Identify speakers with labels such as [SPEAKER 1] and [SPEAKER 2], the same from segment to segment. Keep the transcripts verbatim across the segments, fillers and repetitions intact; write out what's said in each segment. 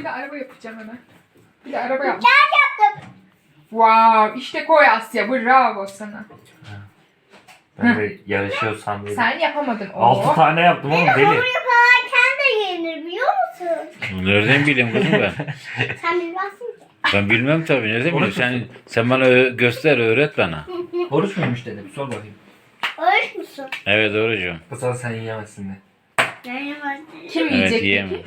[SPEAKER 1] bir de araba yapacağım hemen. Bir de araba yap.
[SPEAKER 2] Ben yaptım.
[SPEAKER 1] Wow, işte koy Asya. Bravo sana.
[SPEAKER 3] Ben de yarışıyor sandım.
[SPEAKER 1] Sen yapamadın.
[SPEAKER 3] Altı
[SPEAKER 1] Oo.
[SPEAKER 3] tane yaptım oğlum
[SPEAKER 2] Hamur
[SPEAKER 3] deli.
[SPEAKER 2] yaparken de yenir biliyor musun?
[SPEAKER 4] Nereden bileyim kızım ben?
[SPEAKER 2] Sen bilmezsin ki.
[SPEAKER 4] Ben bilmem tabii. Nereden bileyim?
[SPEAKER 3] Oruç
[SPEAKER 4] Sen, sen bana ö- göster, öğret bana.
[SPEAKER 3] Oruç muymuş dedim. Sor bakayım.
[SPEAKER 2] Öğret musun?
[SPEAKER 4] Evet doğrucuğum.
[SPEAKER 3] Kızal sen yiyemezsin de.
[SPEAKER 2] Ben yemezdim.
[SPEAKER 1] Kim
[SPEAKER 4] Evet
[SPEAKER 1] yiyecek
[SPEAKER 4] yiyemem.
[SPEAKER 1] peki?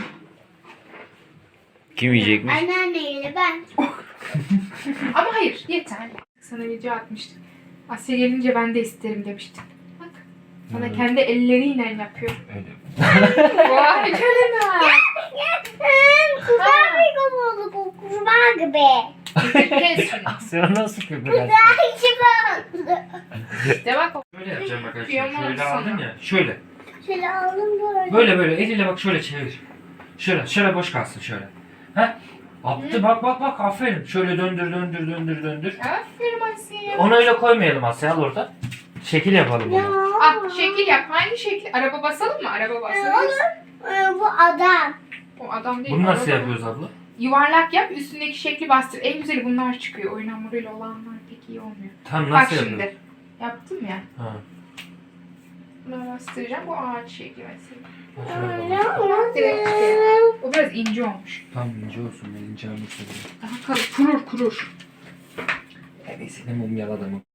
[SPEAKER 4] Kim yiyecekmiş?
[SPEAKER 2] Anneanneyle ben.
[SPEAKER 1] Ama hayır, yeter. Sana video atmıştım. Asya gelince ben de isterim demiştin. Bak. Sana
[SPEAKER 3] Hmm.
[SPEAKER 1] kendi elleriyle yapıyor.
[SPEAKER 3] Öyle.
[SPEAKER 1] Vay canına.
[SPEAKER 2] Kurban bir oldu bu kurban gibi.
[SPEAKER 1] Kes şunu.
[SPEAKER 3] Sen nasıl köpek
[SPEAKER 2] Kurban gibi oldu.
[SPEAKER 1] İşte bak.
[SPEAKER 3] Şöyle yapacağım bak arkadaşlar.
[SPEAKER 1] Kıyamam
[SPEAKER 3] Şöyle
[SPEAKER 1] sana.
[SPEAKER 3] aldım ya. Şöyle.
[SPEAKER 2] Şöyle aldım böyle.
[SPEAKER 3] Böyle böyle eliyle bak şöyle çevir. Şöyle şöyle boş kalsın şöyle. Heh. Attı bak bak bak aferin. Şöyle döndür döndür döndür döndür.
[SPEAKER 1] Aferin Asya.
[SPEAKER 3] Onu öyle koymayalım Asya al orada. Şekil yapalım
[SPEAKER 2] Ya.
[SPEAKER 3] onu.
[SPEAKER 1] Ah şekil yap. Hangi şekil? Araba basalım mı? Araba basalım.
[SPEAKER 2] Ee, bu adam.
[SPEAKER 1] O adam değil.
[SPEAKER 3] Bunu nasıl
[SPEAKER 1] araba.
[SPEAKER 3] yapıyoruz abla?
[SPEAKER 1] Yuvarlak yap. Üstündeki şekli bastır. En güzeli bunlar çıkıyor. Oyun hamuruyla olanlar pek iyi olmuyor.
[SPEAKER 3] Tam
[SPEAKER 1] Bak
[SPEAKER 3] nasıl
[SPEAKER 1] şimdi.
[SPEAKER 3] yapıyoruz?
[SPEAKER 1] Yaptım ya.
[SPEAKER 3] Ha.
[SPEAKER 1] Bunu bastıracağım. Bu ağaç şekli mesela.
[SPEAKER 3] Şöyle bakalım.
[SPEAKER 1] Direkt çıkıyor. O biraz ince olmuş.
[SPEAKER 3] Tam ince olsun ben ince almak istedim.
[SPEAKER 1] Daha kalın. Kurur kurur.
[SPEAKER 3] Neyse ne mum yaladım.